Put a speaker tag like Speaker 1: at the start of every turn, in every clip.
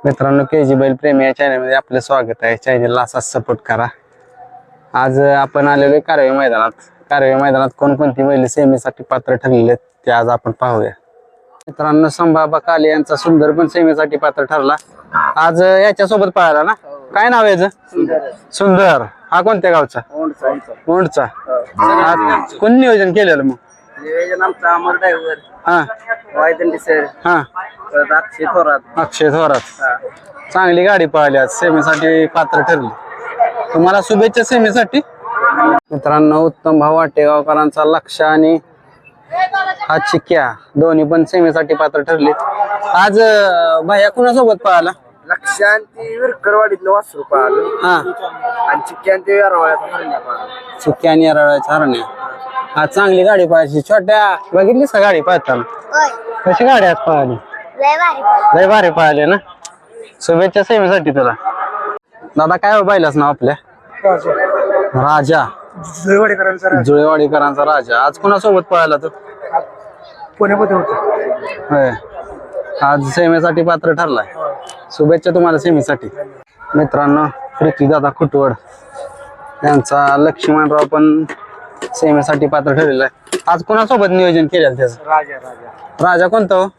Speaker 1: मित्रांनो, केजी बैल प्रेमी या चॅनलमध्ये आपलं स्वागत आहे. चॅनलला असाच सपोर्ट करा. आज आपण आलेलो कारवे मैदानात कोणकोणती बैल सेमीसाठी पात्र ठरलेले ते आज आपण पाहूया. मित्रांनो, संभाबा काले यांचा सुंदर पण सेमीसाठी पात्र ठरला. आज याच्यासोबत पाहायला ना, काय नाव आहे याचं? सुंदर. हा कोणत्या गावचा? ओंडचा. आज कोण नियोजन केलेलं मग?
Speaker 2: नियोजन आमचा अमर ड्रायव्हर,
Speaker 1: हा
Speaker 2: वायदंडी सर,
Speaker 1: हा अक्षय थोरात. चांगली गाडी पळाली, आज सेमीसाठी पात्र ठरली. तुम्हाला शुभेच्छा सेमीसाठी. मित्रांनो, उत्तम भाऊ वाटेगावकरांचा लक्ष आणि हा चिक्क्या दोन्ही पण सेमीसाठी पात्र ठरले. आज भैया कुणासोबत पळाला?
Speaker 2: लक्षांती विरकरवाडीतलं वासरू पाहिलं.
Speaker 1: हा,
Speaker 2: आणि चिक्क्यांती वेरवाळ्याचा हरण्या पाहिलं.
Speaker 1: चिक्क्या आणि याराळ्याच्या हरण्या. आज चांगली गाडी पळायची. छोट्या बघितलीस का गाडी पळताना? कशी गाडी आज पळाली? लय भारी पळाली ना. शुभेच्छा सेमीसाठी तुला. दादा, काय पाहिलंच ना आपल्या? राजा जुळेवाडीकरांचा राजा. आज कोणासोबत पळाला तो?
Speaker 2: पुण्यामध्ये होता.
Speaker 1: होय, आज सेमीसाठी पात्र ठरलाय. शुभेच्छा तुम्हाला सेमीसाठी. मित्रांनो, पृथ्वीदादा खुटवड यांचा लक्ष्मणराव पण सेमीसाठी पात्र ठरलेला आहे. आज कोणासोबत नियोजन केलेलं त्याचं? राजा कोणता हो?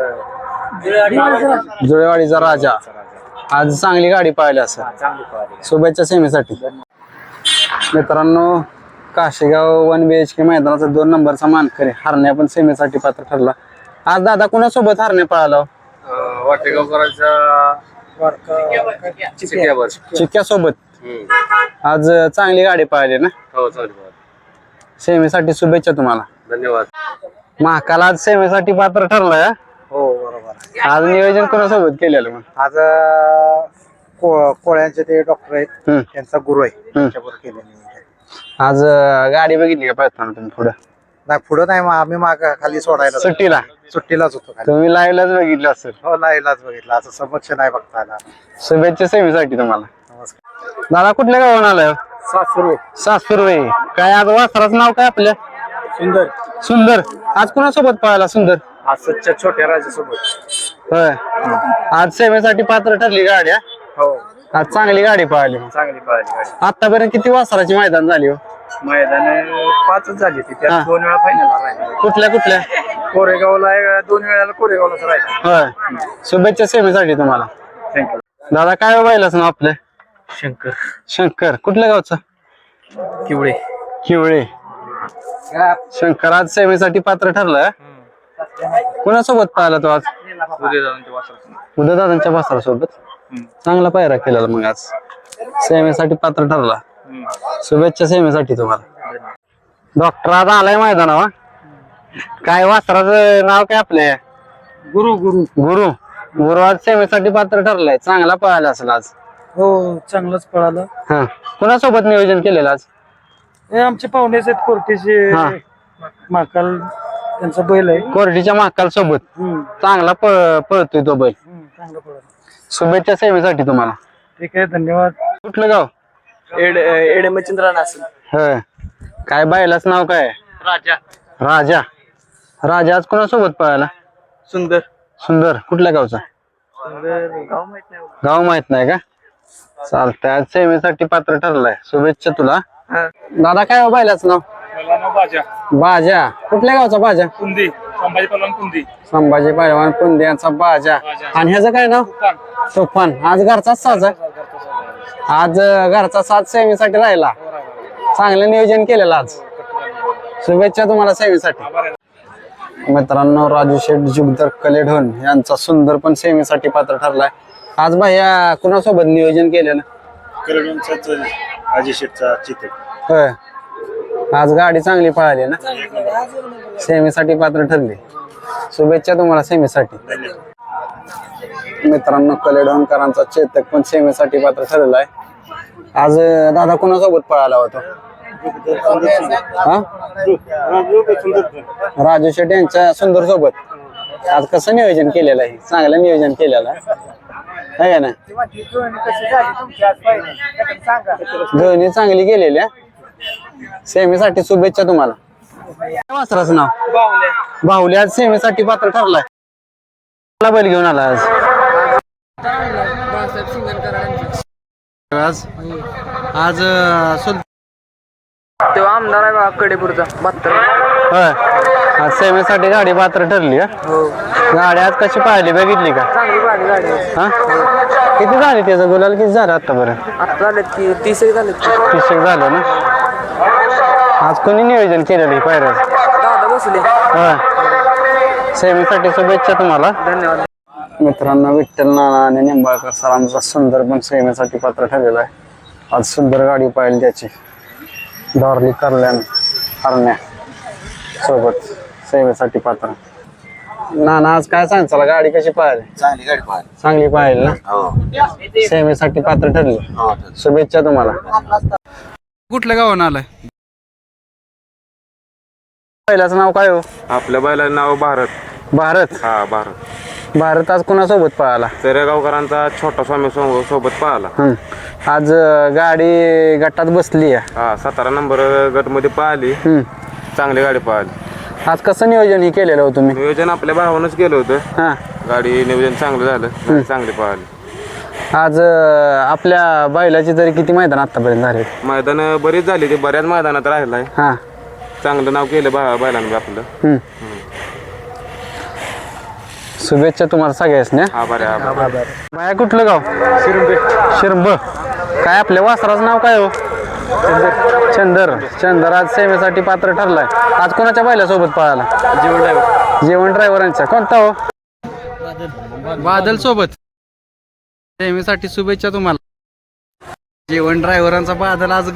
Speaker 1: जुळेवाडीचा राजा. आज चांगली गाडी पाहिली असं. शुभेच्छा सेमीसाठी. मित्रांनो, काशेगाव 1 BHK मैदानाचा 2 नंबरचा मानकरी हरण्या पण सेमीसाठी पात्र ठरला. आज दादा कोणासोबत हरण्या पळाला? चिक्क्या सोबत. आज चांगली गाडी पाहिली ना. सेमीसाठी शुभेच्छा तुम्हाला.
Speaker 2: धन्यवाद.
Speaker 1: महाकाल आज सेमीसाठी पात्र ठरलाय.
Speaker 2: हो, बरोबर.
Speaker 1: आज नियोजन कोणासोबत केलेलं मग?
Speaker 2: आज कोळ्यांचे ते डॉक्टर आहेत, त्यांचा गुरु आहे, त्यांच्याबरोबर केलेलं नियोजन.
Speaker 1: आज गाडी बघितली का पळताना तुम्ही? पुढं
Speaker 2: नाही, पुढं नाही, आम्ही माग खाली सोडायला सुट्टीलाच होतो खाली.
Speaker 1: तुम्ही लाईव्हलाच बघितलं असेल.
Speaker 2: हो, लाईव्हलाच बघितलं, असं समक्ष नाही बघता आला.
Speaker 1: शुभेच्छा सेमीसाठी तुम्हाला.
Speaker 2: नमस्कार.
Speaker 1: दादा, कुठल्या गावाला आलाय? सासुर्वे. काय आज वासराचं नाव काय आपल्या? सुंदर. आज कोणासोबत पळाला सुंदर?
Speaker 2: आज सच्च्या छोट्या राजासोबत.
Speaker 1: होय, आज सेमीसाठी पात्र ठरली गाडी.
Speaker 2: हो,
Speaker 1: आज चांगली गाडी पळाली.
Speaker 2: चांगली पाहिली गाडी.
Speaker 1: आतापर्यंत किती वासराची मैदान झाली हो?
Speaker 2: मैदान 5च झाली ती, त्यात 2 वेळा फायनलला राहिला.
Speaker 1: कुठल्या?
Speaker 2: कोरेगावला 2 वेळाला कोरेगावलाच राहिला.
Speaker 1: होय, शुभेच्छा सेमीसाठी तुम्हाला.
Speaker 2: थँक्यू.
Speaker 1: दादा, काय पाहिलंच ना आपलं? शंकर. कुठल्या गावचा? किवळे. शंकर आज सेमीसाठी पात्र ठरलाय. कोणासोबत पाहिला तो आज? उदयदादांच्या वासरासोबत. चांगला पायरा केलेला मग आज. सेमीसाठी पात्र ठरला. शुभेच्छा सेमीसाठी तुम्हाला. डॉक्टर आज आलाय मैदानावर. काय वासराचं नाव काय आपल्या? गुरु आज सेमीसाठी पात्र ठरलाय. चांगला पळाला असेल आज.
Speaker 2: हो, चांगलाच पळाला.
Speaker 1: हा, कोणासोबत नियोजन केलेलं आज?
Speaker 2: हे आमचे पाहुणेच आहेत कोर्टीचे.
Speaker 1: हा,
Speaker 2: महाकाल त्यांचा बैल आहे.
Speaker 1: कोरडीच्या महाकाल सोबत. चांगला पळतोय तो बैल.
Speaker 2: चांगला पळाला.
Speaker 1: शुभेच्छा सेमीसाठी तुम्हाला.
Speaker 2: ठीक आहे, धन्यवाद.
Speaker 1: कुठलं गाव?
Speaker 2: एडमचंद्र नासन.
Speaker 1: होय, काय बैलाच नाव काय? राजा आज कोणासोबत पळाला? सुंदर. कुठल्या गावचा? गाव माहित नाही का? चालतंय, आज सेमीसाठी पात्र ठरलाय. शुभेच्छा तुला. दादा, काय बैलाच नाव? बाजा. कुठल्या गावचा बाजा? संभाजी पहलवान कुंदी यांचा बाजा. आणि ह्याचं काय नाव? तुफान. आज घरचाच साज. आज घरचा साज सेमीसाठी राहिला. चांगलं नियोजन केलेलं आज. शुभेच्छा तुम्हाला सेमीसाठी. मित्रांनो, राजू शेठ जुगदर कलेढोन यांचा सुंदर पण सेमीसाठी पात्र ठरलाय. आज भैया कुणासोबत नियोजन केलेलं? होय, आज गाडी चांगली पळाली ना. सेमीसाठी पात्र ठरली. शुभेच्छा तुम्हाला सेमीसाठी. मित्रांनो, कलेढोनकरांचा चेतक पण सेमीसाठी पात्र ठरलेला आहे. आज दादा कुणासोबत पळाला होता? राजू शेट यांच्या सुंदर सोबत. आज कसं नियोजन केलेलं आहे? चांगलं नियोजन केलेलं आहे ना. दोन्ही चांगली गेलेल्या. सेमीसाठी शुभेच्छा तुम्हाला. वासराचं नाव? बाहुल्या. आज सेमीसाठी पात्र ठरलाय. बैल घेऊन आला आज. आज आज
Speaker 3: तेव्हा आमदार आहे बा कडेपूरचा 72.
Speaker 1: होय आज सेवेसाठी गाडी पात्र ठरली का?
Speaker 3: हो
Speaker 1: गाडी आज कशी पाहिली बघितली का?
Speaker 3: चांगली पाहिली गाडी.
Speaker 1: हा किती झाली त्याचं गुलाल किती झालं आतापर्यंत?
Speaker 3: आता झालेत की 30 एक झालेत की.
Speaker 1: 30 झालं ना. आज कोणी नियोजन केलेलं पायऱ्याचं?
Speaker 3: दादा बसले.
Speaker 1: होय सेवेसाठी शुभेच्छा तुम्हाला.
Speaker 3: धन्यवाद.
Speaker 1: मित्रांनो विठ्ठल नाना आणि निंबाळकर सरांचा सुंदर पण सेवेसाठी पात्र ठरलेला आहे. आज सुंदर गाडी पाहिली त्याची डॉर्ली करल्यान हरण्या सोबत सेवेसाठी पात्र. नाना आज काय सांग चला गाडी कशी पाहिली?
Speaker 2: चांगली गाडी पाहिली.
Speaker 1: चांगली पाहिली ना.
Speaker 2: हो
Speaker 1: सेवेसाठी पात्र ठरली. शुभेच्छा तुम्हाला. कुठल्या गावानं आलाय? पहिल्याचं नाव काय हो?
Speaker 4: आपल्या बैलाचं नाव भारत.
Speaker 1: भारत.
Speaker 4: हा भारत.
Speaker 1: भारत आज कोणासोबत पळाला?
Speaker 4: तेरेगावकरांचा छोटा स्वामी सोबत पळाला.
Speaker 1: आज गाडी गटात बसली आहे.
Speaker 4: हा 17 नंबर गट मध्ये पळाली. चांगली गाडी पळाली.
Speaker 1: आज कसं नियोजन हे केलेलं हो तुम्ही?
Speaker 4: नियोजन आपल्या भावानंच केलं होतं.
Speaker 1: हा
Speaker 4: गाडी नियोजन चांगलं झालं. गाडी चांगली पळाली.
Speaker 1: आज आपल्या बैलाची तरी किती मैदान आतापर्यंत झाले?
Speaker 4: मैदान बरीच झाली. ते बऱ्याच मैदानात राहिलाय.
Speaker 1: हा
Speaker 4: चांगलं नाव केलं बैलांनी आपलं.
Speaker 1: शुभेच्छा तुम्हाला सगळ्यासनी.
Speaker 4: आभार आहे, आभार.
Speaker 1: बाया कुठलं गाव? शिरंब. काय आपल्या वासराचं नाव काय हो? चंदर. चंदर आज सेवेसाठी पात्र ठरलाय. आज कोणाच्या बैलासोबत पळाला? जेवण ड्रायव्हरांचा. कोणता हो? बादल सोबत. सेवेसाठी शुभेच्छा तुम्हाला. जेवण ड्रायव्हरांचा बादल आज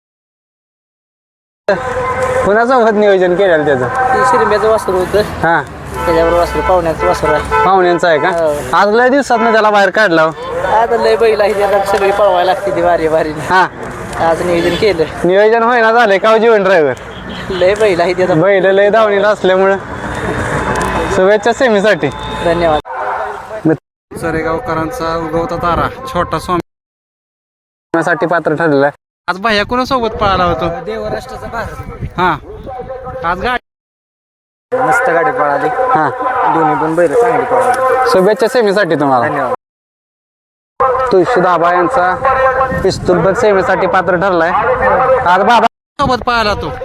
Speaker 1: कोणासोबत नियोजन केलेलं त्याचं?
Speaker 3: शिरंब्याचं वासरू होतं.
Speaker 1: हा
Speaker 3: त्याच्याबरोबर वासरू पाहुण्याचं वासरू आहे.
Speaker 1: पाहुण्यांचा आहे का? आज लय दिवसात त्याला बाहेर काढला हो.
Speaker 3: आता लय बैल आहे त्याला सगळी पळवायला लागते ती वारीने.
Speaker 1: हा
Speaker 3: आज नियोजन केलं.
Speaker 1: नियोजन होईना झालंय का हो जीवन ड्रायव्हर?
Speaker 3: लय बैल आहे त्याचा.
Speaker 1: बैल लय धावणीला असल्यामुळं शुभेच्छा सेमीसाठी.
Speaker 3: धन्यवाद.
Speaker 1: सरेगावकरांचा उगवता तारा छोटा स्वामी पात्र ठरलेला आहे. आज भाया कोणासोबत पळाला होतो?
Speaker 3: देवराष्ट्राचा भारत.
Speaker 1: हा आज गाडी
Speaker 3: मस्त गाडी पळाली.
Speaker 1: हा
Speaker 3: दोन्ही पण बैल चांगली पळाली.
Speaker 1: शुभेच्छा सेमीसाठी तुम्हाला.
Speaker 3: धन्यवाद.
Speaker 1: तुळशी दाबा यांचा पिस्तूल पण सेमीसाठी पात्र ठरलाय. आज बाबा सोबत पळाला तो.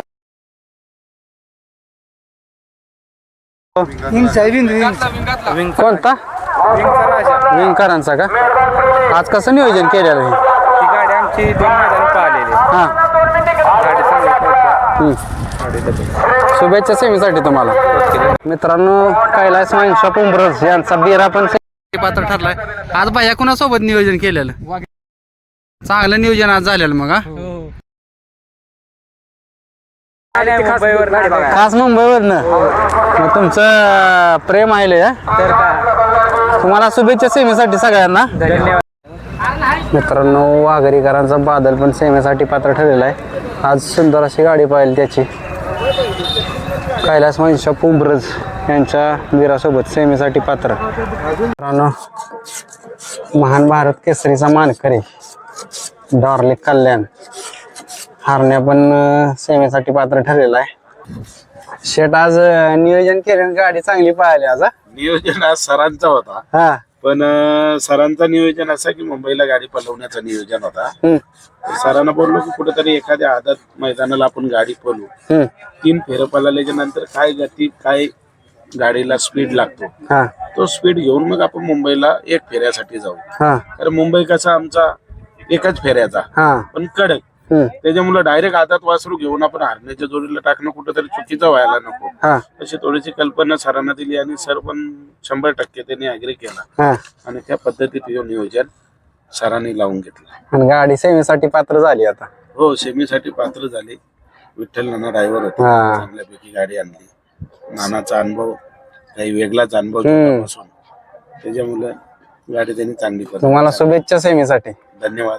Speaker 1: कोणता? विंकरांचा का? आज कसं नियोजन केलेलं आहे?
Speaker 4: ती गाडी आमची 2 मैदान पळालेली.
Speaker 1: हा
Speaker 4: गाडी चांगली.
Speaker 1: शुभेच्छा सेमीसाठी तुम्हाला. मित्रांनो कैलास मानशॉप उंबरज यांचा बिरा पण पात्र ठरलाय. आज बाया कुणासोबत नियोजन केलेलं? चांगलं नियोजन आज झालेलं मग. खास मुंबईवरनं मग तुमचं प्रेम आहे.
Speaker 3: तर का
Speaker 1: तुम्हाला शुभेच्छा सेमीसाठी सगळ्यांना.
Speaker 3: धन्यवाद.
Speaker 1: मित्रांनो वाघरीकरांचा बादल पण सेमीसाठी पात्र ठरलेला आहे. आज सुंदर अशी गाडी पाहिली त्याची. कैलास महिषा पुंब्रज यांच्या वीरासोबत सेमीसाठी पात्र. मित्रांनो महान भारत केसरीचा मानकरी डॉर्ली कल्याण हारण्या पण सेमीसाठी पात्र ठरलेला आहे. शेट आज नियोजन केलं गाडी चांगली पाहिली आज.
Speaker 5: नियोजन आज सरांचा होता.
Speaker 1: हा
Speaker 5: पण सरांचा नियोजन असा की मुंबईला गाडी पळवण्याचा नियोजन होता. सरांना बोललो की कुठेतरी एखाद्या आदत मैदानाला आपण गाडी पळवू. 3 फेरं पळाल्याच्या नंतर काय गती काय गाडीला स्पीड लागतो
Speaker 1: हा
Speaker 5: तो स्पीड घेऊन मग आपण मुंबईला 1 फेऱ्यासाठी जाऊ.
Speaker 1: हा
Speaker 5: कारण मुंबई कसा आमचा एकच फेऱ्याचा
Speaker 1: हा
Speaker 5: पण कडक. त्याच्यामुळे डायरेक्ट आदात वासरू घेऊन आपण हरण्याच्या जोडीला टाकणं कुठेतरी चुकीचं व्हायला नको.
Speaker 1: हा
Speaker 5: अशी थोडीशी कल्पना सरांना दिली आणि सर पण 100% त्यांनी अग्री केला
Speaker 1: हा
Speaker 5: आणि त्या पद्धतीत हे नियोजन सरांनी लावून घेतलं.
Speaker 1: आणि गाडी सेमीसाठी पात्र झाली आता.
Speaker 5: हो सेमीसाठी पात्र झाले. विठ्ठल नाना ड्रायव्हर होते.
Speaker 1: हा.
Speaker 5: चांगल्यापैकी गाडी आणली. नानाचा अनुभव काही वेगळाच अनुभव त्याच्यामुळे गाडी त्यांनी चांगली पळवली.
Speaker 1: तुम्हाला शुभेच्छा सेमीसाठी.
Speaker 5: धन्यवाद.